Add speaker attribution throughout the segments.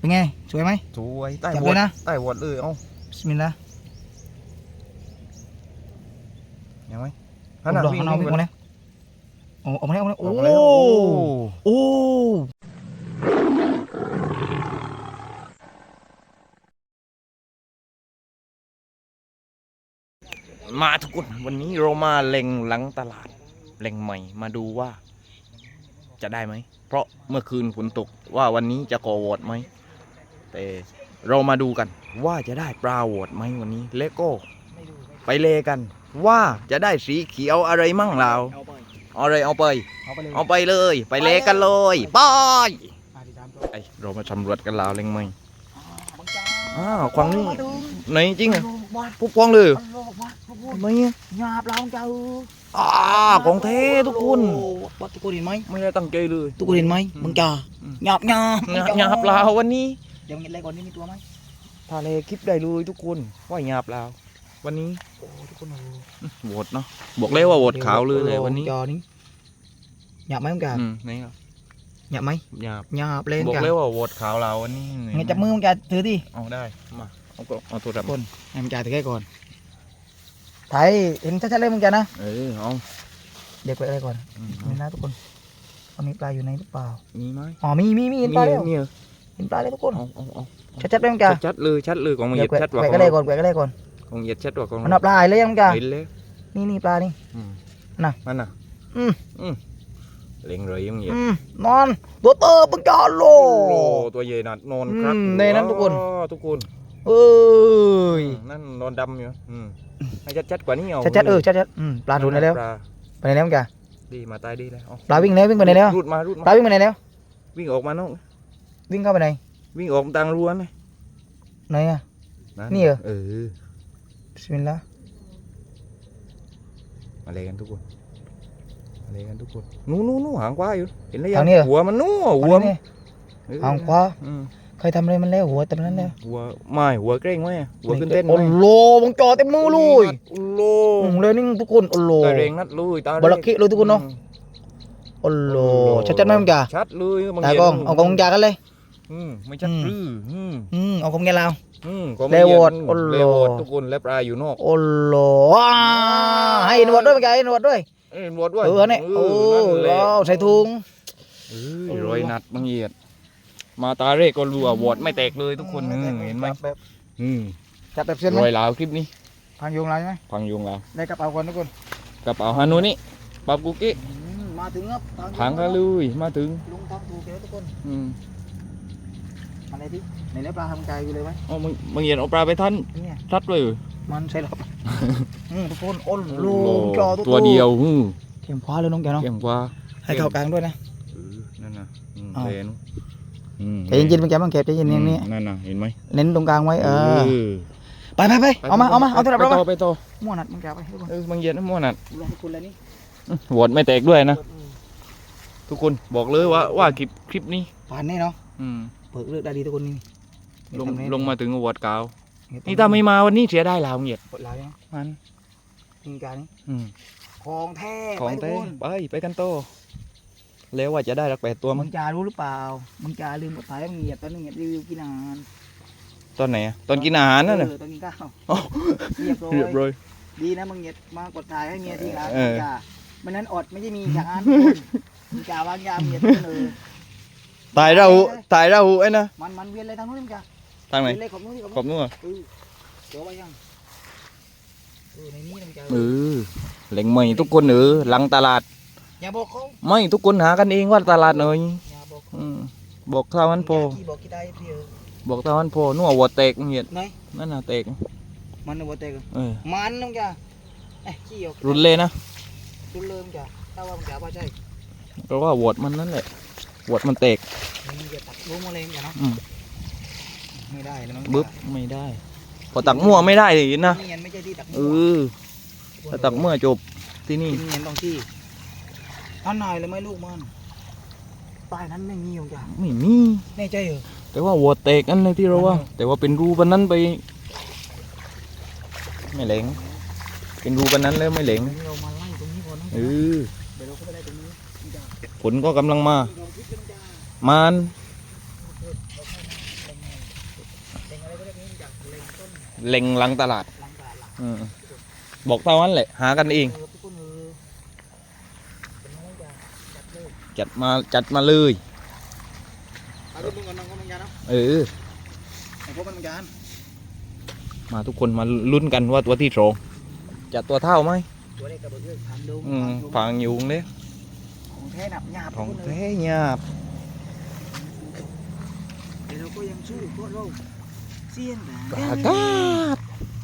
Speaker 1: เป็นไงสวยไหม
Speaker 2: สวยใต้
Speaker 1: จับ
Speaker 2: ว
Speaker 1: เล
Speaker 2: ด
Speaker 1: ยนะ
Speaker 2: ใต้วดเลยเอ้า
Speaker 1: บิสมิลลาห์
Speaker 2: ยังไหม
Speaker 1: ข้างนอกวิ่งมาแล้วโอ้ออกมาแล้วโอ้ โอ้
Speaker 2: มาทุกคนวันนี้เรามาเล็งหลังตลาดเล็งใหม่มาดูว่าจะได้ไหมเพราะเมื่อคืนฝนตกว่าวันนี้จะก่อวอดไหมแต่เรามาดูกันว่าจะได้ปลาวอดไหมวันนี้เลโก้ไปเลกันว่าจะได้สีเขียวอะไรมั่งเราเอาเลยเอาไปเลยไปเลกันเลยไปไอเรามาสำรวจกันแล้วเล็งไหมควางนี่ไหนจริงอ่ะปุ๊บควางเลยไม่เนี่ย
Speaker 1: หยาบเราเจ้า
Speaker 2: ของเททุกคน
Speaker 1: ทุกคนเห็นไหม
Speaker 2: ไม่ได้ตั้งใจเลย
Speaker 1: ทุกคนเห็นไหมมึงจ่าหยาบ
Speaker 2: หยาบลาววันนี้
Speaker 1: เดี๋ยวเห็นอะไรก่อนนี่มีตัวไหม
Speaker 2: ทาเลคลิปได้เลยทุกคนว่าหยาบลาววันนี้
Speaker 1: โอ้ทุกคน
Speaker 2: โหวตเนาะบอกเลยว่าโหวตขาวเลยวันนี้
Speaker 1: จอนี้หยาบไหมมึงจ่า
Speaker 2: นี่ครับ
Speaker 1: หยาบไหม
Speaker 2: หยาบ
Speaker 1: หยาบเลย
Speaker 2: บอกเลยว่าโหวตขาวลาววันนี้
Speaker 1: งั้นจับมือมึงจ่าถือดิ
Speaker 2: เอาได้มาเอาตัวดับ
Speaker 1: คนให้มึงจ่าถือแค่ก่อนถ่ายเห็นชัดๆเลยมึงจ่านะ
Speaker 2: เอา
Speaker 1: เด็กไปอะไรก่อนนี่นะทุกคนตอนนี้ปลาอยู่ในหรือเปล่า
Speaker 2: มีไหม
Speaker 1: อ๋อมีเห็นปลาแล้ว
Speaker 2: มี
Speaker 1: เห็นปลาแล้วทุกคน
Speaker 2: เอา
Speaker 1: ชัดๆเลยมึงจ่า
Speaker 2: ชัดเลยของเหยียดชัดกว่า
Speaker 1: แกะก็ได้ก่อนแกะก็ได้ก่อน
Speaker 2: ของเหยียดชัดกว่าของ
Speaker 1: มันเอาปลาเลยยังมึงจ่า
Speaker 2: เห็นเลย
Speaker 1: นี่ปลานี่
Speaker 2: นั่นน่ะ
Speaker 1: อืม
Speaker 2: เล็งเลยยังเหยียด
Speaker 1: นอนตัวเตอร์มึงจ่าโล
Speaker 2: โอ้ตัวใหญ่นัดนอนครับ
Speaker 1: ในนั้นทุกคน
Speaker 2: ทุกคน
Speaker 1: เอ้ย
Speaker 2: นั่นนอนดำอยู่ให้ชัดกว่านี้เอา
Speaker 1: ชัดชัดปลาถูกไหนแล้วไปไหนแล้วมึงจ่า
Speaker 2: ดีมาตายดีแล้ว
Speaker 1: ปลาวิ่งไหนวิ่งไปไหนแล้ว
Speaker 2: รูดมา
Speaker 1: ปลาวิ่งไปไหนแล้ว
Speaker 2: วิ่งออกมานอก
Speaker 1: วิ่งเข้าไปไหน
Speaker 2: วิ่งออกทางรั้วนี่
Speaker 1: ไหนอะนี่เหรอ บิสมิลลาห์
Speaker 2: มาเลยกันทุกคนนู้หางขวาอยู่เห็นแล้วยังหัวมันหัวมัน
Speaker 1: หางขวาใครทำอะไรมันแล้วหัวเต็มนั้นแล้ว
Speaker 2: หัวเกรงไหมหัวขึ้นเต้นไหม
Speaker 1: โอ้โหมึงจ่อเต็มมือเลย
Speaker 2: โอ้โห
Speaker 1: เลยนี่ทุกคนโอ้โห
Speaker 2: ตาเร่งนัดเลยตา
Speaker 1: บลักคิเลยทุกคนเนาะโอ้โหชัดไหมมึงจ่า
Speaker 2: ชัดเลย
Speaker 1: ตากล้องเอาของมึงจ่ากันเลย
Speaker 2: ไม่ชัดรือ
Speaker 1: เอาของแกเรา
Speaker 2: เลวดทุกคนและปลาอยู่นอก
Speaker 1: โอ้โหให้หนวดด้วยมึงจ่าให้หนวดด้วย
Speaker 2: หนวดด้วย
Speaker 1: เนี่ยโอ้ใส่ถุง
Speaker 2: รอยนัดบางเหยียดมาตาเร่ก็รัววอดไม่แตกเลยทุกคนเห็นไหม
Speaker 1: จับแบบเส้นไหม
Speaker 2: รอยลาวคลิปนี้
Speaker 1: พังยุงอะไรไหม
Speaker 2: พังยุงลาว
Speaker 1: ได้กระเป๋าก่อนทุกคน
Speaker 2: กระเป๋าฮานุนี่ปับกุกี้
Speaker 1: มาถึงครับ
Speaker 2: พังกันเลยมาถึง
Speaker 1: ลุงทำถูกแล้วทุกคน
Speaker 2: Ừ.
Speaker 1: อะไรที่ไหนแล้วปลาทำใจอยู่เลยไหม
Speaker 2: มึงเห็นเอาปลาไปท่าน
Speaker 1: เนี่ย
Speaker 2: ทัดเลย
Speaker 1: มันใช่หรอทุกคนโอ้โหจอ
Speaker 2: ตัวเดียว
Speaker 1: เข็มคว้าเลยน้องแกเนาะ
Speaker 2: เก่งกว่า
Speaker 1: ให้เข้ากลางด้วยนะ
Speaker 2: นั่นน่ะ
Speaker 1: อ้าว
Speaker 2: เห็น
Speaker 1: ใจเย็นๆมึงแกมันเก็บใจเย็นอย่างนี้
Speaker 2: นั่นน่ะเห็นไหม
Speaker 1: เน้นตรงกลางไว้ไปเอามาเอาตัวดับเรา
Speaker 2: ไปต่อ
Speaker 1: มั่วนัดมึงแกไปทุกคน
Speaker 2: มึงเย็นนะมั่วนัด
Speaker 1: ลองทุกคนเลยนี่
Speaker 2: โหวตไม่แตกด้วยนะ ทุกคนบอกเลยว่าคลิปนี้
Speaker 1: ผ่านแน่เนาะเปิดเลือกได้ดีทุกคนนี่
Speaker 2: ลงมาถึงโหวตกาวนี่ถ้าไม่มาวันนี้เสียได้แล้วมึงเหยียด
Speaker 1: เปิดลายยัง
Speaker 2: มัน
Speaker 1: จริงจัง
Speaker 2: อืม
Speaker 1: ของแท้
Speaker 2: ของเต้ไปกันโตแล้วว่าจะได้รักแปดตัว
Speaker 1: มึ
Speaker 2: มั้
Speaker 1: ง
Speaker 2: ง
Speaker 1: จะรู้หรือเปล่ามึงจะลืมกดถ่ายมึงเหยียบตอนนึงเหยียบรีวิวกินอาหาร
Speaker 2: ตอนไหนอะตอนกินอาหารนั่นน่ะ
Speaker 1: ตอนกินข้าว
Speaker 2: อ๋อ
Speaker 1: เรียบ
Speaker 2: เรียบ
Speaker 1: ร้
Speaker 2: ร้
Speaker 1: อ
Speaker 2: อย ย
Speaker 1: ดีนะมึงเหยียบมากดถ่ายให้เมียทีหลัง
Speaker 2: เออ
Speaker 1: อย่ามันนั้นอดไม่ใช่มีอย่างนั้นมึงจะวางยาเหยียบเลย
Speaker 2: ตายเราไอ้นะ
Speaker 1: มันเวียนเลยทางนู้นมึงจะ
Speaker 2: ทางไหน
Speaker 1: เวียนเลยขอบนู้นนี่
Speaker 2: ขอบนู่น
Speaker 1: เดี๋ยวไว้ยังในนี้มึงจะ
Speaker 2: เล็งใหม่ทุกคนหลังตลาด
Speaker 1: อย่าบอกเขา
Speaker 2: ไม่ทุกคนหากันเองว่าตลาดหน่อย
Speaker 1: อย่าบอกเขา
Speaker 2: บอกเท่านั้นพอ
Speaker 1: บอกกี่ได้พี่เออ
Speaker 2: บอกเท่านั้นพอนัววัวแตกมึงเหยียด
Speaker 1: ไหน
Speaker 2: นั่นน่ะแตก
Speaker 1: มันเอาไว้เตะกัน
Speaker 2: เออ
Speaker 1: มันมึงจะขี้ออก
Speaker 2: รุนเลยนะ
Speaker 1: รุนเริ่มจะถ้าว่ามึงจะว่าใช่
Speaker 2: เพราะว่าวัวมันนั่นแหละวัวมันแตก
Speaker 1: มึงจะตัดรู้มาเลยมึงจะเนาะไม่ได้แล้วมึง
Speaker 2: บึ๊บไม่ได้ พอตักมั่วไม่ได้เลยนะ
Speaker 1: เนียนไม่ใช่ที่ตัก
Speaker 2: ถ้าตักมั่วจบที่นี่
Speaker 1: เนียนต้องที่ท่านนายเลยไม่ลูกมันใต้นั้นไม่มีมึงจะ
Speaker 2: ไม่มี
Speaker 1: แน่ใจเหรอ
Speaker 2: แต่ว่าวัวแตกนั่นเลยที่เราว่า แต่ว่าเป็นรูปนนั้นไป ไม่เหลงเป็นรูปนนั้นแล้วไม่เหลง
Speaker 1: เรามาไล่ตรงนี้ก่อนนะ
Speaker 2: เออ
Speaker 1: เดี๋ยวเราก็ไปไล่ตรงนี้มึงจะ
Speaker 2: ฝนก็กำลังมา
Speaker 1: เราคิดกันจ้า
Speaker 2: มัน
Speaker 1: เเล็งต้น
Speaker 2: เล็งหลังตลาด
Speaker 1: หลังตลาดหลัง
Speaker 2: อืมบอกเท่านั้นแหละหากันเอง
Speaker 1: ทุกคนเป็นน้องจะจัดเลย
Speaker 2: จัดมาเลย
Speaker 1: เอาลูกมึงก่อนน้องก็มึงยาเนาะ
Speaker 2: เออ
Speaker 1: ไอ้พวกมันมึงยาน
Speaker 2: มาทุกคนมาลุ้นกันว่าตัวที่สองจะตัวเท่าไหม
Speaker 1: ตัวเล็กกับตัวเล็กทางดู
Speaker 2: ฝังอยู่เนี่ย
Speaker 1: ของแท้หนับหยาบ
Speaker 2: ของ
Speaker 1: ทุกคน
Speaker 2: แท้หยาบ
Speaker 1: แต่เราก็ยังสู้พวกเราเสี้ยน
Speaker 2: กากาด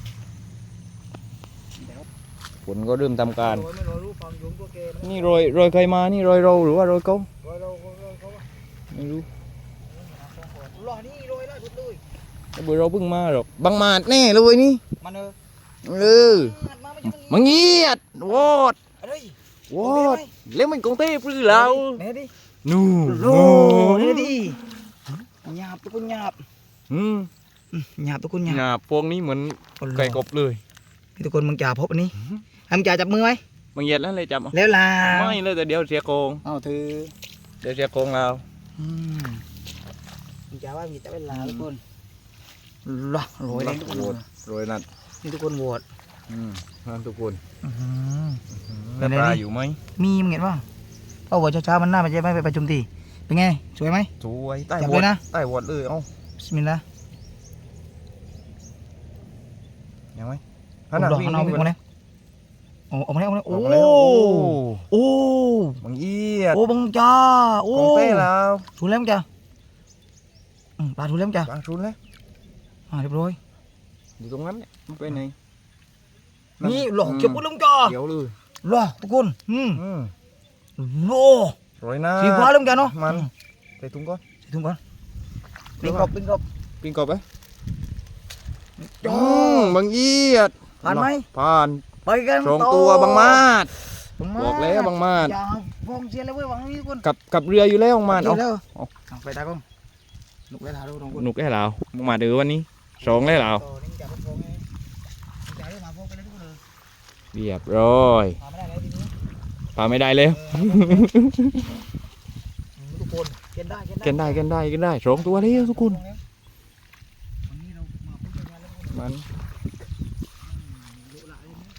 Speaker 2: ฝนก็เริ่มทำการ
Speaker 1: ไม่รอรู้ความยุ่งตัวเกม
Speaker 2: นี่โรยใครมานี่โรยเราหรือว่าโรยเขา
Speaker 1: รอเราเขา
Speaker 2: ไม่รู้
Speaker 1: รอนี่รอยได้ทุกเลย
Speaker 2: แต่เบอร์เราเพิ่งมาหรอกบังมาดแน่เลยนี่
Speaker 1: มัน
Speaker 2: เออมังเงียดวอด
Speaker 1: อะไร
Speaker 2: วอดแล้วมันกงเต้ปลื้อเรา
Speaker 1: เนี่ยดิ
Speaker 2: นู่
Speaker 1: โลเนี่ยดิหยาบทุกคนหยาบ
Speaker 2: อืม
Speaker 1: หยาบทุกคนห
Speaker 2: ห
Speaker 1: ยาบ
Speaker 2: ยาบพวกนี้เหมือนไก่กบเลย
Speaker 1: ทุกคนมึงจ่าพบอันนี้มึงจ่าจับมือไหม
Speaker 2: มังเงียดแล้วเลยจับเอา
Speaker 1: แล้วลา
Speaker 2: ไม่เลยแต่เดี๋ยวเสียโกง
Speaker 1: เอาถือ
Speaker 2: เดี๋ยวเสียโกงเรา
Speaker 1: มึงจ่าว่ามีแต่เวลาทุกคนรอโรยเลยทุกคน
Speaker 2: โรยนั่น
Speaker 1: นี่ทุกคนโหวต
Speaker 2: นั่นทุกคน
Speaker 1: เป็นไง
Speaker 2: ปลา
Speaker 1: ดิ
Speaker 2: อยู่ไหม
Speaker 1: มีมึงเห็นป่ะเพราะว่าเช้าๆมันน่าจะไม่ไปประชุมทีเป็นไงสวยไหม
Speaker 2: สวยใต้
Speaker 1: จับ
Speaker 2: ว
Speaker 1: เล
Speaker 2: อด
Speaker 1: ยนะ
Speaker 2: ใต้วอดเลยเอ้า
Speaker 1: บิสมิลลาห์
Speaker 2: ยังไหม
Speaker 1: เอาดอกเอาวิ่งมาเลยโอ้ออกมาแล้วโอ้
Speaker 2: ออกมาแล้ว
Speaker 1: โอ้
Speaker 2: มังเอียด
Speaker 1: โอ้บังจ้าโอ้
Speaker 2: กงเต้แล้ว
Speaker 1: ถูกแล้วจ้าปลาถูกแล้วจ้า
Speaker 2: ปลาชุนแล้ว
Speaker 1: เรียบร้อย
Speaker 2: อยู่ตรงนั้นเนี่ยมันไปไหน
Speaker 1: นี่หลอกเก็บกุ้งจ้า
Speaker 2: เขียวเลย
Speaker 1: หล่อทุกคนโล
Speaker 2: โรยหน้า
Speaker 1: สีฟ้าเริ่มจ้าเนาะ
Speaker 2: มันใส่ถุงก่อน
Speaker 1: ใส่ถุงก่อนปิ้งกบ
Speaker 2: ปิ้งกบไป
Speaker 1: จ้า
Speaker 2: บังเอียด
Speaker 1: ผ่านไหม
Speaker 2: ผ่าน
Speaker 1: ไปกัน
Speaker 2: สองตัวบังมาด
Speaker 1: บังมา
Speaker 2: บอกแล้วบังมาด
Speaker 1: อย่าฟองเชียร์เลยเว้ยวังนี้ทุกคน
Speaker 2: กับเรืออยู่แล้วบังมาด
Speaker 1: เอา
Speaker 2: เอา
Speaker 1: แล้ว
Speaker 2: เอา
Speaker 1: ไปตากล้องลุกไว้ทาดูตรงคน
Speaker 2: หนุกได้แล้วบังมาดเดือวันนี้สองได้แล้ว
Speaker 1: ต่อนี่จะฟองไงจะให้มาฟองไปเลยทุกคนเลย
Speaker 2: เรียบร้อย
Speaker 1: มาไม่ได้เลยทีนี้
Speaker 2: ปลาไม่ได้เลย
Speaker 1: ทุกคนเกินได้
Speaker 2: เกันได้สองตัวแล้วทุกคน
Speaker 1: วันนี้เรามาพูดกันแล้วทุกคน
Speaker 2: มัน
Speaker 1: ลุกหลายเลยนะ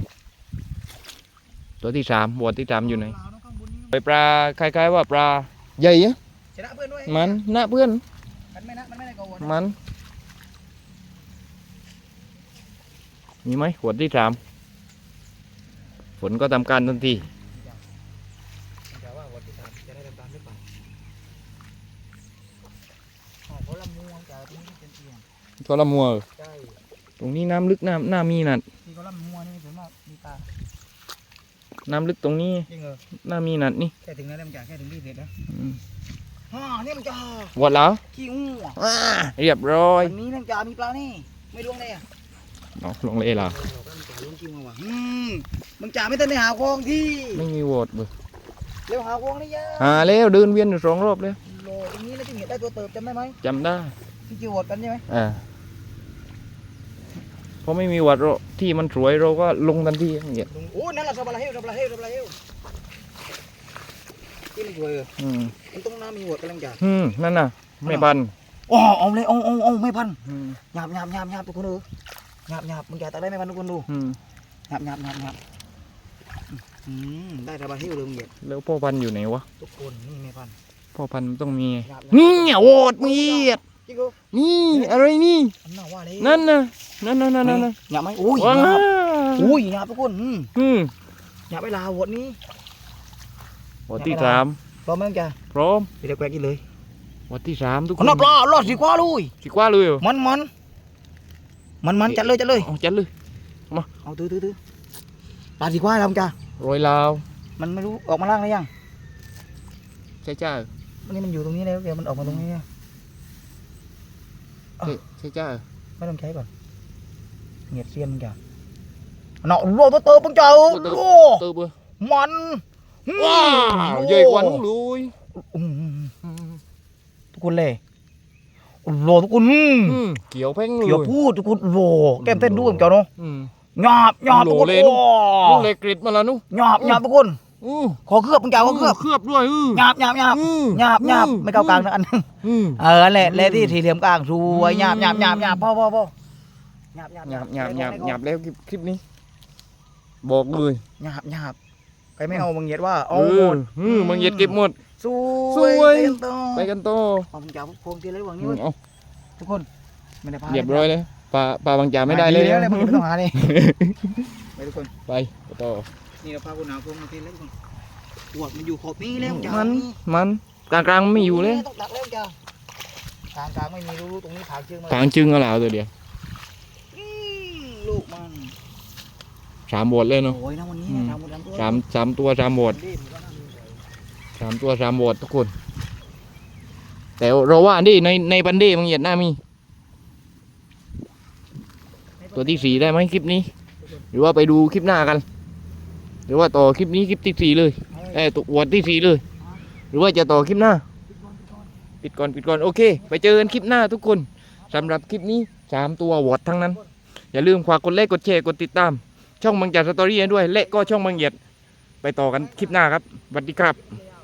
Speaker 2: ตัวที่สามบวชที่สามอยู่ไหน
Speaker 1: ลาวน้องข้างบนนี้
Speaker 2: ไปปลาคล้ายๆว่าปลาใหญ่อะ
Speaker 1: ชนะเพื่อนด้วย
Speaker 2: มันหน้าเพื่อน
Speaker 1: มันไม่ได้โกง
Speaker 2: มันมีไหมขวดที่สามฝนก็ทำการทันที
Speaker 1: จะว่าวันที่สามจะได้ตามหรือเปล่าอ๋อเพราะลำมูงจากตรงนี้เป็นเตียง
Speaker 2: ทรมัว
Speaker 1: ใช่
Speaker 2: ตรงนี้น้ำลึกน้ำมีนั่น
Speaker 1: ที่เขาลำมูงนี่ส่วนมากมีตา
Speaker 2: น้ำลึกตรงนี้
Speaker 1: จริงเหรอ
Speaker 2: น้ำมีนั่นนี่
Speaker 1: แค่ถึงแล้วมันจ่าแค่ถึงที่เสร็จแล้ว
Speaker 2: อืม
Speaker 1: นี่มันจ่า
Speaker 2: หมดแล้ว
Speaker 1: ขี้งู
Speaker 2: เรียบร้อย
Speaker 1: วันนี้มันจ่ามีปลานี่ไม่ล่วงเลยอ่ะ
Speaker 2: เอาลงเลยล่ะ
Speaker 1: มันจ่าล้วงขี้งูว่ะมันจ่าไม่ทันได้หาคลองที่
Speaker 2: ไม่มีโหวตเบอร์
Speaker 1: เร็วหาคลองนี่ยะ
Speaker 2: หาแล้วเดินเวียนอยู่สองรอบแล้ว
Speaker 1: โลตรงนี้แล้วที่เห็นได้ตัวเติบจำได้ไหม
Speaker 2: จำได้
Speaker 1: ที่จิวดกันใช่ไหม
Speaker 2: เพราะไม่มีโหวตเราที่มันสวยเราก็ลงทันทีอย่างเงี้ย
Speaker 1: โอ้นั่นแหละสับปะรดสับปะรดสับปะรดที่มันสวยมันต้องน้ำมีหัวกำลังจ่า
Speaker 2: นั่นน่ะไม่ปัน
Speaker 1: อ๋อเอาเลยเอาไม่พันหยาบทุกคนดูหยาบมึงจ่าตักได้ไม่พันทุกคนดูหยาบได้สับปะรดเลยมึงเหยียด
Speaker 2: แล้วพ่อพันธุ์อยู่ไหนวะ
Speaker 1: ทุกคนนี่ไม่พัน
Speaker 2: พ่อพันธุ์มันต้องมี
Speaker 1: หยาบ
Speaker 2: นี่โหวตมีด
Speaker 1: จิโก้
Speaker 2: นี่อะไรนี่
Speaker 1: น่าว่าเลย
Speaker 2: นั่นน่ะนั่น
Speaker 1: หยาบไหมอุ้ย
Speaker 2: ว้า
Speaker 1: หยาบทุกคนหยาบไปลาหัวนี้
Speaker 2: โหวตที่สาม
Speaker 1: พร้อมไหมจ่า
Speaker 2: พร้อม
Speaker 1: ไปเด็กแกกินเลย
Speaker 2: โหวตที่สามทุกคน
Speaker 1: น่าปลาลอดสีกว่าลุย
Speaker 2: สิกว่าเลยเหรอ
Speaker 1: มันจัดเลย
Speaker 2: เอาจัดเลย
Speaker 1: เอาตื้อปลาสีกว่าแล้วจ้า
Speaker 2: โรยลาว
Speaker 1: มันไม่รู้ออกมาล่างได้ยัง
Speaker 2: ใช่จ้า
Speaker 1: วันนี้มันอยู่ตรงนี้แล้วเดี๋ยวมันออกมาตรงนี้
Speaker 2: ใช่จ้า
Speaker 1: ไม่ต้องใช้ก่อนเงียบเสียนมึงจ้าเนาะโลตัวเติมมึงจ้าโอ้
Speaker 2: เติบเบอร์
Speaker 1: มัน
Speaker 2: ว้าวใหญ่กว่าน้องลุย
Speaker 1: ทุกคนเลยโลทุกคน
Speaker 2: เกี่ยวเพ่งเลย
Speaker 1: เกี่ยวพูดทุกคนโลแก้มเต้นด้วยมึงจ้าเนาะหยาบทุกคน
Speaker 2: ลูกเล็กกริดมาแล้วนุ๊ก
Speaker 1: หยาบทุกคนขอเคลือบมึงจ้าขอเคลือบ
Speaker 2: เคลือบด้วย
Speaker 1: หยาบไม่เก้ากลางนะอันนึงแหละที่สี่เหลี่ยมกลางสวยหยาบพ่อหยาบ
Speaker 2: หยาบแล้วคลิปนี้ บอกเลย
Speaker 1: หยาบใครไม่เอามึงเหยียดว่าเอา
Speaker 2: เอ
Speaker 1: หม
Speaker 2: อ
Speaker 1: ด
Speaker 2: มึงเหยียดเก็บหมด
Speaker 1: ส
Speaker 2: ส
Speaker 1: ว
Speaker 2: วย
Speaker 1: ยไปกันต่อ
Speaker 2: ไปกันต่อ
Speaker 1: เอามึงจับพวงทีเลยหวังนี้
Speaker 2: เอา
Speaker 1: ทุกคนไม่ได้พา
Speaker 2: เรียบร้อยเลยปลาบางจ่าไม่ได้เลย
Speaker 1: แล้วมึงไม่ต้องหาเลยไปทุกคน
Speaker 2: ไปต่อ
Speaker 1: นี่เราพาคุณหนาวพวงมาทีแล้วทุกคนปวดมันอยู่ขอบนี้แล้วจ้า
Speaker 2: มันกลางไม่อยู่เลย
Speaker 1: ต้องดักแล้วจ้ากลางไม่มีรู้ตรงนี้ผางเชือกมา
Speaker 2: ทางจึงเอาแล้วตัวเดียว
Speaker 1: ลูกมัน
Speaker 2: 3 บทเลยเนาะ
Speaker 1: โอ้ยนะวันนี้
Speaker 2: อืม
Speaker 1: ทำหมดแล้ว
Speaker 2: 3 ตัว 3 บท 3 ตัว 3 บททุกคน แต่เราว่าดิในบันเดมังเหยียดหน้ามี ตัวที่ 4ได้ไหมคลิปนี้ หรือว่าไปดูคลิปหน้ากัน หรือว่าต่อคลิปนี้คลิปที่ 4เลยตัววอดที่ 4เลย หรือว่าจะต่อคลิปหน้า ปิดก่อนโอเค ไปเจอกันคลิปหน้าทุกคนสำหรับคลิปนี้3 ตัววอดทั้งนั้น อย่าลืมฝากกดไลค์กดแชร์กดติดตาม ช่องบางจากสตอรี่ด้วยและก็ช่องบางเหยียดไปต่อกันคลิปหน้าครับสวัสดีครับ